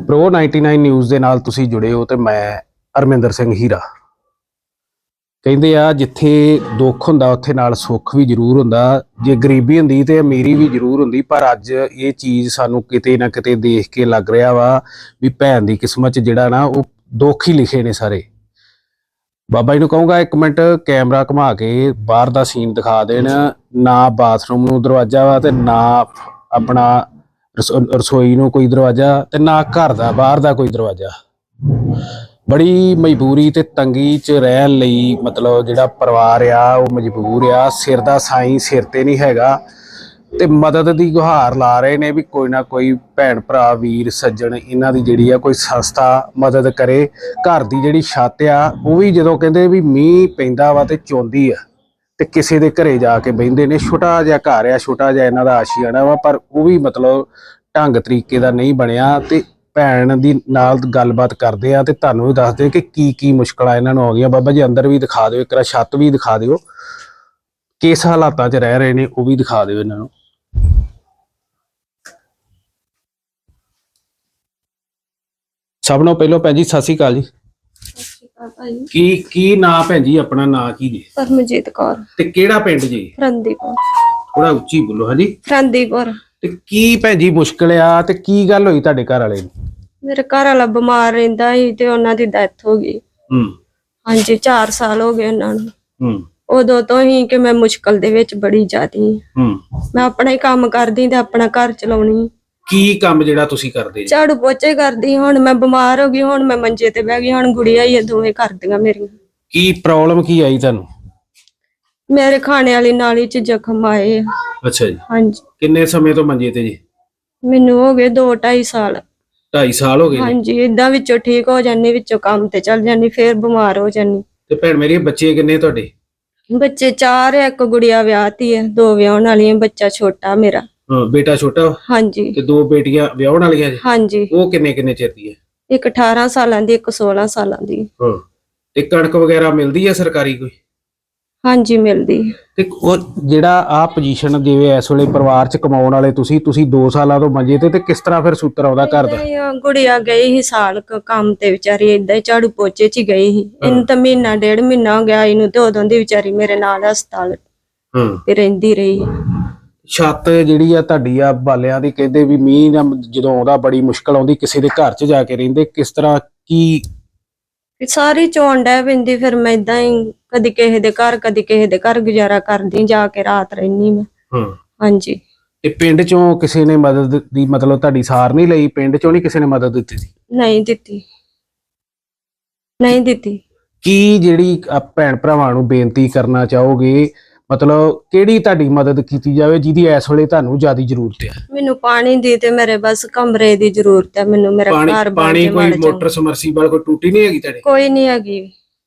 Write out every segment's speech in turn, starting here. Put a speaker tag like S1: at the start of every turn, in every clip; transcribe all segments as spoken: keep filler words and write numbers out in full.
S1: Pro ninety nine news ਦੇ ਨਾਲ ਤੁਸੀਂ ਜੁੜੇ ਹੋ ਤੇ ਮੈਂ ਅਰਮਿੰਦਰ ਸਿੰਘ ਹੀਰਾ। ਕਹਿੰਦੇ ਆ ਜਿੱਥੇ ਦੁੱਖ ਹੁੰਦਾ ਉੱਥੇ ਨਾਲ ਸੁੱਖ ਵੀ ਜ਼ਰੂਰ ਹੁੰਦਾ। ਜੇ ਗਰੀਬੀ ਹੁੰਦੀ ਤੇ ਅਮੀਰੀ ਵੀ ਜ਼ਰੂਰ ਹੁੰਦੀ, ਪਰ ਅੱਜ ਇਹ ਚੀਜ਼ ਸਾਨੂੰ ਕਿਤੇ ਨਾ ਕਿਤੇ ਦੇਖ ਕੇ ਲੱਗ ਰਿਹਾ ਵਾ ਵੀ ਭੈਣ ਦੀ ਕਿਸਮਤ 'ਚ ਜਿਹੜਾ ਨਾ ਉਹ ਦੁੱਖ ਹੀ ਲਿਖੇ ਨੇ ਸਾਰੇ। ਬਾਬਾ ਜੀ ਨੂੰ ਕਹੂੰਗਾ ਇੱਕ ਮਿੰਟ ਕੈਮਰਾ ਘੁਮਾ ਕੇ ਬਾਹਰ ਦਾ ਸੀਨ ਦਿਖਾ ਦੇਣ। ਨਾ ਬਾਥਰੂਮ ਨੂੰ ਦਰਵਾਜ਼ਾ ਵਾ ਤੇ ਨਾ ਆਪਣਾ ਰਸੋਈ ਨੂੰ ਕੋਈ ਦਰਵਾਜ਼ਾ ਤੇ ਨਾ ਘਰ ਦਾ ਬਾਹਰ ਦਾ ਕੋਈ ਦਰਵਾਜ਼ਾ। ਬੜੀ ਮਜਬੂਰੀ ਤੇ ਤੰਗੀ 'ਚ ਰਹਿਣ ਲਈ ਮਤਲਬ ਜਿਹੜਾ ਪਰਿਵਾਰ ਆ ਉਹ ਮਜਬੂਰ ਆ। ਸਿਰ ਦਾ ਸਾਈਂ ਸਿਰ ਤੇ ਨਹੀਂ ਹੈਗਾ ਤੇ ਮਦਦ ਦੀ ਗੁਹਾਰ ਲਾ ਰਹੇ ਨੇ ਵੀ ਕੋਈ ਨਾ ਕੋਈ ਭੈਣ ਭਰਾ ਵੀਰ ਸੱਜਣ ਇਹਨਾਂ ਦੀ ਜਿਹੜੀ ਆ ਕੋਈ ਸੰਸਥਾ ਮਦਦ ਕਰੇ। ਘਰ ਦੀ ਜਿਹੜੀ ਛੱਤ ਆ ਉਹ ਵੀ ਜਦੋਂ ਕਹਿੰਦੇ ਵੀ ਮੀਂਹ ਪੈਂਦਾ ਵਾ ਤੇ ਚੋਂਦੀ ਆ ਤੇ ਕਿਸੇ ਦੇ ਘਰੇ ਜਾ ਕੇ ਬਹਿੰਦੇ ਨੇ। ਛੋਟਾ ਜਿਹਾ ਘਰ ਆ, ਛੋਟਾ ਜਿਹਾ ਇਹਨਾਂ ਦਾ ਆਸ਼ੀਆਣਾ ਵਾ, ਪਰ ਉਹ ਵੀ ਮਤਲਬ ਢੰਗ ਤਰੀਕੇ ਦਾ ਨਹੀਂ ਬਣਿਆ। ਤੇ ਭੈਣ ਦੀ ਨਾਲ ਗੱਲਬਾਤ ਕਰਦੇ ਆ ਤੇ ਤੁਹਾਨੂੰ ਵੀ ਦੱਸਦੇ ਕਿ ਕੀ ਕੀ ਮੁਸ਼ਕਲਾਂ ਇਹਨਾਂ ਨੂੰ ਆ ਗਈਆਂ। ਬਾਬਾ ਜੀ ਅੰਦਰ ਵੀ ਦਿਖਾ ਦਿਓ, ਇੱਕ ਵਾਰ ਛੱਤ ਵੀ ਦਿਖਾ ਦਿਓ, ਕਿਸ ਹਾਲਾਤਾਂ 'ਚ ਰਹਿ ਰਹੇ ਨੇ ਉਹ ਵੀ ਦਿਖਾ ਦਿਓ ਇਹਨਾਂ ਨੂੰ। ਸਭ ਨੂੰ ਪਹਿਲਾਂ ਭੈਣ ਜੀ ਸਤਿ ਸ਼੍ਰੀ ਅਕਾਲ ਜੀ। ਕੀ ਕੀ ਨਾਂ ਭੈਣ ਜੀ ਆਪਣਾ? ਨਾਂ ਕੀ ਜੀ?
S2: ਪਰਮਜੀਤ ਕੌਰ।
S1: ਤੇ ਕਿਹੜਾ ਪਿੰਡ ਜੀ?
S2: ਫਰੰਦੀਪੁਰ।
S1: ਥੋੜਾ ਉੱਚੀ ਬੋਲੋ। ਹਾਂਜੀ
S2: ਫਰੰਦੀਪੁਰ। ਤੇ
S1: ਕੀ ਭੈਣ ਜੀ ਮੁਸ਼ਕਲ ਆ ਤੇ ਕੀ ਗੱਲ ਹੋਈ ਤੁਹਾਡੇ ਘਰ ਵਾਲੇ ਨੂੰ?
S2: ਮੇਰੇ ਘਰ ਵਾਲਾ ਬਿਮਾਰ ਰਹਿੰਦਾ ਸੀ ਤੇ ਉਹਨਾਂ ਦੀ ਡੈਥ ਹੋ ਗਈ।
S1: ਹੂੰ।
S2: ਹਾਂਜੀ ਚਾਰ ਸਾਲ ਹੋ ਗਏ ਉਹਨਾਂ ਨੂੰ।
S1: ਹੂੰ।
S2: ਉਦੋਂ ਤੋਂ ਹੀ ਕਿ ਮੈਂ ਮੁਸ਼ਕਲ ਦੇ ਵਿੱਚ ਬੜੀ ਜ਼ਿਆਦੀ।
S1: ਹੂੰ।
S2: ਮੈਂ ਆਪਣਾ ਹੀ ਕੰਮ ਕਰਦੀ ਤੇ ਆਪਣਾ ਘਰ ਚਲਾਉਣੀ।
S1: ਕੀ ਕੰਮ ਜਿਹੜਾ ਤੁਸੀਂ ਕਰਦੇ?
S2: ਝਾੜੂ ਪੋਚੇ ਕਰਦੀ। ਹੁਣ ਮੈਂ ਬਿਮਾਰ ਹੋ ਗਈ, ਹੁਣ ਮੈਂ ਮੰਜੇ ਤੇ ਬਹਿ ਗਈ। ਹੁਣ ਗੁੜੀਆ ਹੀ ਦੋਵੇਂ ਕਰਦੀਆਂ ਮੇਰੀਆਂ।
S1: ਕੀ ਪ੍ਰੋਬਲਮ ਕੀ ਆਈ ਤੁਹਾਨੂੰ?
S2: ਮੇਰੇ ਖਾਣੇ ਵਾਲੀ ਨਾਲੀ 'ਚ ਜ਼ਖਮ ਆਏ।
S1: ਅੱਛਾ ਜੀ।
S2: ਹਾਂਜੀ।
S1: ਕਿੰਨੇ ਸਮੇਂ ਤੋਂ ਮੰਜੇ ਤੇ ਜੀ?
S2: ਮੈਨੂੰ ਹੋ ਗਏ ਦੋ ਢਾਈ ਸਾਲ।
S1: ਢਾਈ ਸਾਲ ਹੋ ਗਏ?
S2: ਹਾਂਜੀ। ਏਦਾਂ ਵਿੱਚੋਂ ਠੀਕ ਹੋ ਜਾਂਦੀ, ਵਿੱਚੋਂ ਕੰਮ ਤੇ ਚੱਲ ਜਾਂਦੀ, ਫੇਰ ਬਿਮਾਰ ਹੋ ਜਾਂਦੀ।
S1: ਤੇ ਭੈਣ ਮੇਰੀ ਬੱਚੇ ਕਿੰਨੇ ਤੁਹਾਡੇ?
S2: ਬੱਚੇ ਚਾਰ ਆ, ਇੱਕ ਗੁੜੀਆ ਵਿਆਹਤੀ ਹੈ, ਦੋ ਵਿਆਹਣ ਵਾਲੀਆਂ। ਬੱਚਾ ਛੋਟਾ ਮੇਰਾ।
S1: ਹਾਂ ਬੇਟਾ ਛੋਟਾ? ਹਾਂਜੀ। ਤੇ ਦੋ ਬੇਟੀਆਂ ਵਿਆਹਣ ਵਾਲੀਆਂ ਜੀ? ਹਾਂਜੀ। ਉਹ ਕਿੰਨੇ ਕਿੰਨੇ ਚਿਰ ਦੀ ਹੈ? ਇੱਕ
S2: ਅਠਾਰਾਂ ਸਾਲਾਂ ਦੀ, ਇੱਕ ਸੋਲਾਂ ਸਾਲਾਂ ਦੀ।
S1: ਹਾਂ। ਤੇ ਕਣਕ ਵਗੈਰਾ ਮਿਲਦੀ ਹੈ ਸਰਕਾਰੀ ਕੋਈ?
S2: ਹਾਂਜੀ ਮਿਲਦੀ।
S1: ਤੇ ਉਹ ਜਿਹੜਾ ਆ ਪੋਜੀਸ਼ਨ ਜਿਵੇਂ ਇਸ ਵੇਲੇ ਪਰਿਵਾਰ 'ਚ ਕਮਾਉਣ ਵਾਲੇ ਤੁਸੀਂ ਤੁਸੀਂ ਦੋ ਸਾਲਾਂ ਤੋਂ ਮੰਜੇ ਤੇ ਤੇ ਕਿਸ ਤਰ੍ਹਾਂ ਫਿਰ ਸੂਤਰ ਆਉਂਦਾ ਘਰ ਦਾ?
S2: ਗੁੜੀਆ ਗਈ ਸੀ ਸਾਲ ਕੰਮ ਤੇ, ਵਿਚਾਰੀ ਏਦਾਂ ਹੀ ਝਾੜੂ ਪੋਚੇ 'ਚ ਹੀ ਗਈ ਸੀ। ਇਹਨੂੰ ਤਾਂ ਮਹੀਨਾ ਡੇਢ ਮਹੀਨਾ ਹੋ ਗਿਆ ਇਹਨੂੰ, ਤੇ ਉਦੋਂ ਦੀ ਵਿਚਾਰੀ ਮੇਰੇ ਨਾਲ ਹਸਪਤਾਲ ਤੇ ਰਹਿੰਦੀ ਰਹੀ।
S1: ਛੱਤ ਜਿਹੜੀ ਆ ਤੁਹਾਡੀ ਆ ਬਾਲਿਆਂ ਦੀ, ਕਹਿੰਦੇ ਵੀ ਮੀਂਹ ਜਦੋਂ ਆਉਂਦਾ ਬੜੀ ਮੁਸ਼ਕਲ ਆਉਂਦੀ, ਕਿਸੇ ਦੇ ਘਰ 'ਚ ਜਾ ਕੇ ਰਹਿੰਦੇ, ਕਿਸ ਤਰ੍ਹਾਂ ਕੀ?
S2: ਸਾਰੀ ਚੋਣ ਡੈ ਪੈਂਦੀ। ਫਿਰ ਮੈਂ ਏਦਾਂ ਹੀ ਕਦੀ ਕਿਸੇ ਦੇ ਘਰ ਕਦੀ ਕਿਸੇ ਦੇ ਘਰ ਗੁਜ਼ਾਰਾ ਕਰਦੀ, ਜਾ ਕੇ ਰਾਤ ਰਹਿਨੀ ਮੈਂ। ਹਾਂਜੀ।
S1: ਤੇ ਪਿੰਡ ਚੋਂ ਕਿਸੇ ਨੇ ਮਦਦ ਦੀ ਮਤਲਬ ਤੁਹਾਡੀ ਸਾਰ ਨਹੀਂ ਲਈ? ਪਿੰਡ ਚੋਂ ਨਹੀਂ ਕਿਸੇ ਨੇ ਮਦਦ ਦਿੱਤੀ ਸੀ?
S2: ਨਹੀਂ ਦਿੱਤੀ, ਨਹੀਂ ਦਿੱਤੀ।
S1: ਕੀ ਜਿਹੜੀ ਭੈਣ ਭਰਾਵਾਂ ਨੂੰ ਬੇਨਤੀ ਕਰਨਾ ਚਾਹੋਗੇ, ਮਤਲਬ ਕਿਹੜੀ ਤੁਹਾਡੀ ਮਦਦ ਕੀਤੀ ਜਾਵੇ ਜਿਹਦੀ ਇਸ ਵੇਲੇ ਤੁਹਾਨੂੰ ਜ਼ਿਆਦਾ ਜ਼ਰੂਰਤ ਹੈ? ਮੈਨੂੰ
S2: ਪਾਣੀ ਦੀ ਤੇ ਮੇਰੇ ਬਸ ਕਮਰੇ ਦੀ ਜ਼ਰੂਰਤ ਹੈ। ਮੈਨੂੰ ਮੇਰਾ ਘਰ
S1: ਪਾਣੀ ਕੋਈ ਮੋਟਰ ਸਮਰਸੀਬਲ ਕੋਈ ਟੂਟੀ ਨਹੀਂ ਹੈਗੀ ਤੁਹਾਡੇ?
S2: ਕੋਈ ਨਹੀਂ ਹੈਗੀ।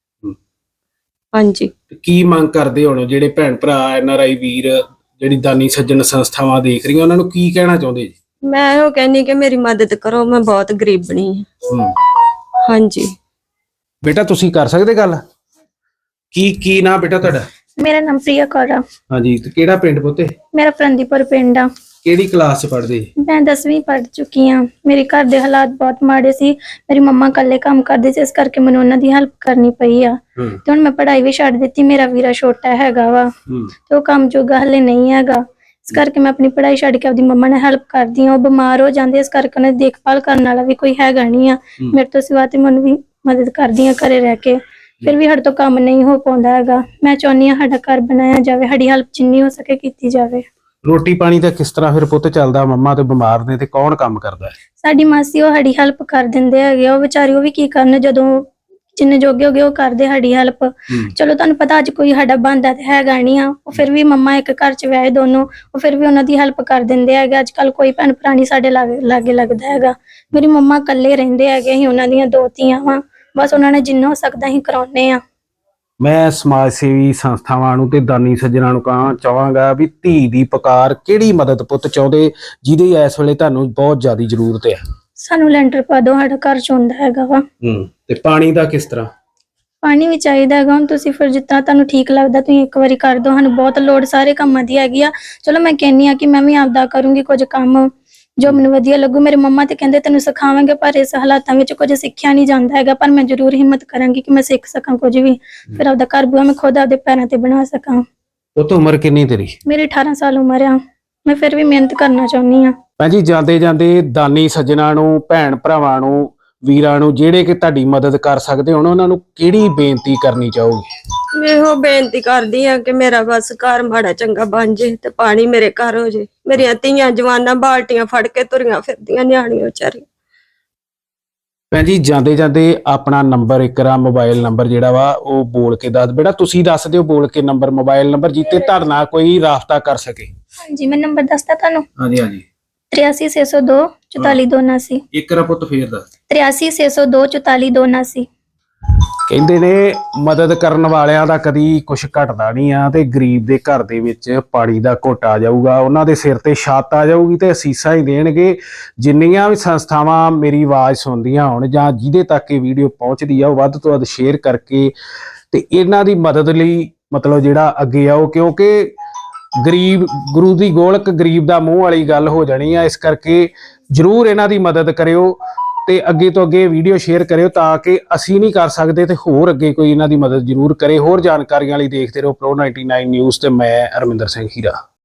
S2: ਹਾਂਜੀ।
S1: ਕੀ ਮੰਗ ਕਰਦੇ ਹੁਣ ਜਿਹੜੇ ਭੈਣ ਭਰਾ ਐਨ ਆਰ ਆਈ ਵੀਰ ਜਿਹੜੀ ਦਾਨੀ ਸੱਜਣ ਸੰਸਥਾਵਾਂ ਦੇਖ ਰਹੀਆਂ, ਉਹਨਾਂ ਨੂੰ ਕੀ ਕਹਿਣਾ ਚਾਹੁੰਦੇ ਜੀ?
S2: ਮੈਂ ਉਹ ਕਹਿੰਦੀ ਕਿ ਮੇਰੀ ਮਦਦ ਕਰੋ, ਮੈਂ ਬਹੁਤ ਗਰੀਬਣੀ ਹਾਂ। ਹਾਂਜੀ।
S1: ਬੇਟਾ ਤੁਸੀਂ ਕਰ ਸਕਦੇ ਗੱਲ? ਕੀ ਕੀ ਨਾਂ ਬੇਟਾ ਤੁਹਾਡਾ?
S3: ਮੇਰਾ ਨਾਮ ਪ੍ਰਿਆ ਕੌਰ ਆ।
S1: ਹਾਂਜੀ। ਤੇ ਕਿਹੜਾ ਪਿੰਡ ਪੁੱਤੇ?
S3: ਮੇਰਾ ਫਰੰਦੀਪੁਰ ਪਿੰਡ ਆ।
S1: ਕਿਹੜੀ ਕਲਾਸ 'ਚ ਪੜ੍ਹਦੇ?
S3: ਮੈਂ ਦਸਵੀਂ ਪੜ੍ਹ ਚੁੱਕੀ ਆ। ਮੇਰੇ ਘਰ ਦੇ ਹਾਲਾਤ ਬਹੁਤ ਮਾੜੇ ਸੀ। ਮੇਰੀ ਮੰਮਾ ਇਕੱਲੇ ਕੰਮ ਕਰਦੇ ਸੀ, ਇਸ ਕਰਕੇ ਮੈਨੂੰ ਉਹਨਾਂ ਦੀ ਹੈਲਪ ਕਰਨੀ ਪਈ ਆ। ਤੇ ਹੁਣ ਮੈਂ ਪੜ੍ਹਾਈ ਵੀ ਛੱਡ ਦਿੱਤੀ। ਮੇਰਾ ਵੀਰਾ ਛੋਟਾ ਹੈਗਾ ਵਾ ਤੇ ਉਹ ਕੰਮ ਜੋਗਾ ਹਲੇ ਨਹੀਂ ਹੈਗਾ, ਇਸ ਕਰਕੇ ਮੈਂ ਆਪਣੀ ਪੜ੍ਹਾਈ ਛੱਡ ਕੇ ਆਪਦੀ ਮੰਮਾ ਨਾਲ ਹੈਲਪ ਕਰਦੀ ਆ। ਉਹ ਬਿਮਾਰ ਹੋ ਜਾਂਦੇ, ਇਸ ਕਰਕੇ ਉਹਨਾਂ ਦੀ ਦੇਖਭਾਲ ਕਰਨ ਵਾਲਾ ਵੀ ਕੋਈ ਹੈਗਾ ਨਹੀਂ ਆ ਮੇਰੇ ਤੋਂ ਸਿਵਾ, ਤੇ ਮੈਨੂੰ ਵੀ ਮਦਦ ਕਰਦੀ ਆ ਘਰੇ ਰਹਿ ਕੇ। ਫਿਰ ਵੀ ਸਾਡੇ ਤੋਂ ਕੰਮ ਨਹੀਂ ਹੋ ਪਾਉਂਦਾ ਹੈਗਾ। ਮੈਂ ਚਾਹੁੰਦੀ ਹਾਂ ਸਾਡਾ ਘਰ ਬਣਾਇਆ ਜਾਵੇ, ਸਾਡੀ ਹੈਲਪ ਜਿੰਨੀ ਹੋ ਸਕੇ ਕੀਤੀ ਜਾਵੇ।
S1: ਰੋਟੀ ਪਾਣੀ ਦਾ ਕਿਸ ਤਰ੍ਹਾਂ ਫਿਰ ਪੁੱਤ ਚੱਲਦਾ? ਮੰਮਾ ਤੇ ਬਿਮਾਰ ਨੇ ਤੇ ਕੌਣ ਕੰਮ ਕਰਦਾ ਹੈ?
S3: ਸਾਡੀ ਮਾਸੀ ਉਹ ਸਾਡੀ ਹੈਲਪ ਕਰ ਦਿੰਦੇ ਹੈਗੇ। ਉਹ ਵਿਚਾਰੀ ਉਹ ਵੀ ਕੀ ਕਰਨ, ਜਦੋਂ ਜਿੰਨੇ ਜੋਗੇ ਹੋ ਗਏ ਉਹ ਕਰਦੇ ਸਾਡੀ ਹੈਲਪ। ਚਲੋ ਤੁਹਾਨੂੰ ਪਤਾ ਅੱਜ ਕੋਈ ਸਾਡਾ ਬਣਦਾ ਤੇ ਹੈਗਾ ਨਹੀਂ ਆ। ਉਹ ਫਿਰ ਵੀ ਮੰਮਾ ਇੱਕ ਘਰ 'ਚ ਵਿਆਹੇ ਦੋਨੋਂ, ਉਹ ਫਿਰ ਵੀ ਉਹਨਾਂ ਦੀ ਹੈਲਪ ਕਰ ਦਿੰਦੇ ਹੈਗੇ। ਅੱਜ ਕੱਲ ਕੋਈ ਭੈਣ ਭਰਾ ਨੀ ਸਾਡੇ ਲਾਗੇ ਲਾਗੇ ਲੱਗਦਾ ਹੈਗਾ। ਮੇਰੀ ਮੰਮਾ ਇਕੱਲੇ ਰਹਿੰਦੇ ਹੈਗੇ। ਅਸੀਂ ਉਹਨਾਂ ਦੀਆਂ ਦੋ ਧੀਆਂ ਵਾਂ, ਬਸ ਉਹਨਾਂ ਨੇ ਜਿੰਨਾ ਹੋ ਸਕਦਾ ਅਸੀਂ ਕਰਾਉਂਦੇ ਆ।
S1: ਮੈਂ ਸਮਾਜ ਸੇਵੀ ਸੰਸਥਾਵਾਂ ਨੂੰ ਤੇ ਦਾਨੀ ਸੱਜਣਾਂ ਨੂੰ ਕਹਾਂ ਚਾਹਾਂਗਾ ਵੀ ਧੀ ਦੀ ਪੁਕਾਰ ਕਿਹੜੀ ਮਦਦ ਪੁੱਤ ਚਾਹੁੰਦੇ ਜਿਹਦੀ ਇਸ ਵੇਲੇ ਤੁਹਾਨੂੰ ਬਹੁਤ ਜ਼ਿਆਦਾ ਜ਼ਰੂਰਤ ਹੈ?
S3: ਸਾਨੂੰ ਲੈਂਟਰ ਪਾ ਦਿਓ, ਸਾਡਾ ਘਰ ਚੋਂਦਾ ਹੈਗਾ ਵਾ।
S1: ਹੂੰ। ਤੇ ਪਾਣੀ ਦਾ ਕਿਸ ਤਰ੍ਹਾਂ?
S3: ਪਾਣੀ ਵੀ ਚਾਹੀਦਾ ਹੈਗਾ। ਹੁਣ ਤੁਸੀਂ ਫਿਰ ਜਿੱਦਾਂ ਤੁਹਾਨੂੰ ਠੀਕ ਲੱਗਦਾ ਤੁਸੀਂ ਇੱਕ ਵਾਰੀ ਕਰ ਦਿਓ, ਸਾਨੂੰ ਬਹੁਤ ਲੋੜ ਸਾਰੇ ਕੰਮਾਂ ਦੀ ਹੈਗੀ ਆ। ਚਲੋ ਮੈਂ ਕਹਿੰਦੀ ਆ ਕਿ ਮੈਂ ਵੀ ਆਪਦਾ ਕਰੂੰਗੀ ਕੁਝ ਕੰਮ, ਜੋ ਮੈਨੂੰ ਵਧੀਆ ਲੱਗੂ। ਮੇਰੇ ਮੰਮਾ ਤੇ ਕਹਿੰਦੇ ਤੈਨੂੰ ਸਿਖਾਵਾਂਗੇ, ਪਰ ਇਸ ਹਾਲਾਤਾਂ ਵਿੱਚ ਕੁਝ ਸਿੱਖਿਆ ਨਹੀਂ ਜਾਂਦਾ ਹੈਗਾ, ਪਰ ਮੈਂ ਜ਼ਰੂਰ ਹਿੰਮਤ ਕਰਾਂਗੀ ਕਿ ਮੈਂ ਸਿੱਖ ਸਕਾਂ ਕੁਝ ਵੀ, ਫਿਰ ਆਪਦਾ ਘਰ ਬੂਆ ਮੈਂ ਖੁਦ ਆਪਦੇ ਪੈਰਾਂ ਤੇ ਬਣਾ ਸਕਾਂ।
S1: ਉਹ ਤੋਂ ਉਮਰ ਕਿੰਨੀ ਤੇਰੀ?
S3: ਮੇਰੀ ਅਠਾਰਾਂ ਸਾਲ ਉਮਰ ਆ, ਮੈਂ ਫਿਰ ਵੀ ਮਿਹਨਤ ਕਰਨਾ ਚਾਹੁੰਦੀ ਆ।
S1: ਭੈਣ ਜੀ, ਜਾਂਦੇ ਜਾਂਦੇ ਦਾਨੀ ਸੱਜਣਾ ਨੂੰ, ਭੈਣ ਭਰਾਵਾਂ ਨੂੰ, ਵੀਰਾਂ ਨੂੰ ਜਿਹੜੇ ਕਿ ਤੁਹਾਡੀ ਮਦਦ ਕਰ ਸਕਦੇ ਹੋਣ, ਉਹਨਾਂ ਨੂੰ ਕਿਹੜੀ ਬੇਨਤੀ ਕਰਨੀ ਚਾਹੋਗੇ?
S2: ਮੈਂ ਇਹੋ ਬੇਨਤੀ ਕਰਦੀ ਆ ਕਿ ਮੇਰਾ ਬਸ ਘਰ ਮਾੜਾ ਚੰਗਾ ਬਣ ਜੇ ਤੇ ਪਾਣੀ ਮੇਰੇ ਘਰ ਹੋ ਜੇ। ਮੇਰੀਆਂ ਧੀਆਂ ਜਵਾਨਾਂ ਬਾਲਟੀਆਂ ਫੜ ਕੇ ਤੁਰੀਆਂ ਫਿਰਦੀਆਂ ਨਿਆਣੀਆਂ ਵਿਚਾਰੀ।
S1: ਭੈਣ ਜੀ, ਜਾਂਦੇ ਜਾਂਦੇ ਆਪਣਾ ਨੰਬਰ ਇੱਕ ਰਾ ਮੋਬਾਈਲ ਨੰਬਰ ਜਿਹੜਾ ਵਾ ਉਹ ਬੋਲ ਕੇ ਦੱਸ, ਬੇਟਾ ਤੁਸੀਂ ਦੱਸ ਦਿਓ ਬੋਲ ਕੇ ਨੰਬਰ, ਮੋਬਾਈਲ ਨੰਬਰ ਜਿੱਤੇ ਤੁਹਾਡੇ ਨਾਲ ਕੋਈ ਰਾਬਤਾ ਕਰ ਸਕੇ।
S3: ਹਾਂਜੀ, ਮੈਂ ਨੰਬਰ ਦੱਸਦਾ ਤੁਹਾਨੂੰ।
S1: ਹਾਂਜੀ ਹਾਂਜੀ।
S3: ਤਰਿਆਸੀ ਛੇ ਸੌ ਦੋ ਚੁਤਾਲੀ ਦੋ ਉਨਾਸੀ।
S1: ਇੱਕ ਰਾ ਪੁੱਤ ਫੇਰ ਦੱਸ।
S3: ਤਰਿਆਸੀ ਛੇ ਸੌ ਦੋ ਚੁਤਾਲੀ ਦੋ ਉਨਾਸੀ।
S1: ਕਹਿੰਦੇ ਨੇ ਮਦਦ ਕਰਨ ਵਾਲਿਆਂ ਦਾ ਕਦੀ ਕੁਝ ਘਟਦਾ ਨਹੀਂ ਆ, ਤੇ ਗਰੀਬ ਦੇ ਘਰ ਦੇ ਵਿੱਚ ਪਾਣੀ ਦਾ ਘੁੱਟ ਆ ਜਾਊਗਾ, ਉਹਨਾਂ ਦੇ ਸਿਰ ਤੇ ਛੱਤ ਆ ਜਾਊਗੀ ਤੇ ਅਸੀਸਾਂ ਹੀ ਦੇਣਗੇ। ਜਿੰਨੀਆਂ ਵੀ ਸੰਸਥਾਵਾਂ ਮੇਰੀ ਆਵਾਜ਼ ਸੁਣਦੀਆਂ ਹੋਣ ਜਾਂ ਜਿਹਦੇ ਤੱਕ ਇਹ ਵੀਡੀਓ ਪਹੁੰਚਦੀ ਆ, ਉਹ ਵੱਧ ਤੋਂ ਵੱਧ ਸ਼ੇਅਰ ਕਰਕੇ ਤੇ ਇਹਨਾਂ ਦੀ ਮਦਦ ਲਈ ਮਤਲਬ ਜਿਹੜਾ ਅੱਗੇ ਆਓ, ਕਿਉਂਕਿ ਗਰੀਬ ਗੁਰੂ ਦੀ ਗੋਲਕ ਗਰੀਬ ਦਾ ਮੂੰਹ ਵਾਲੀ ਗੱਲ ਹੋ ਜਾਣੀ ਆ। ਇਸ ਕਰਕੇ ਜ਼ਰੂਰ ਇਹਨਾਂ ਦੀ ਮਦਦ ਕਰਿਓ ਤੇ ਅੱਗੇ ਤੋਂ ਅੱਗੇ ਵੀਡੀਓ ਸ਼ੇਅਰ ਕਰਿਓ, ਤਾਂ ਕਿ ਅਸੀਂ ਨਹੀਂ ਕਰ ਸਕਦੇ ਤੇ ਹੋਰ ਅੱਗੇ ਕੋਈ ਇਹਨਾਂ ਦੀ ਮਦਦ ਜ਼ਰੂਰ ਕਰੇ। ਹੋਰ ਜਾਣਕਾਰੀਆਂ ਲਈ ਦੇਖਦੇ ਰਹੋ ਪ੍ਰੋ ਨਾਈਨਟੀ ਨਾਈਨ ਨਿਊਜ਼ ਤੇ ਮੈਂ ਅਰਮਿੰਦਰ ਸਿੰਘ ਹੀਰਾ।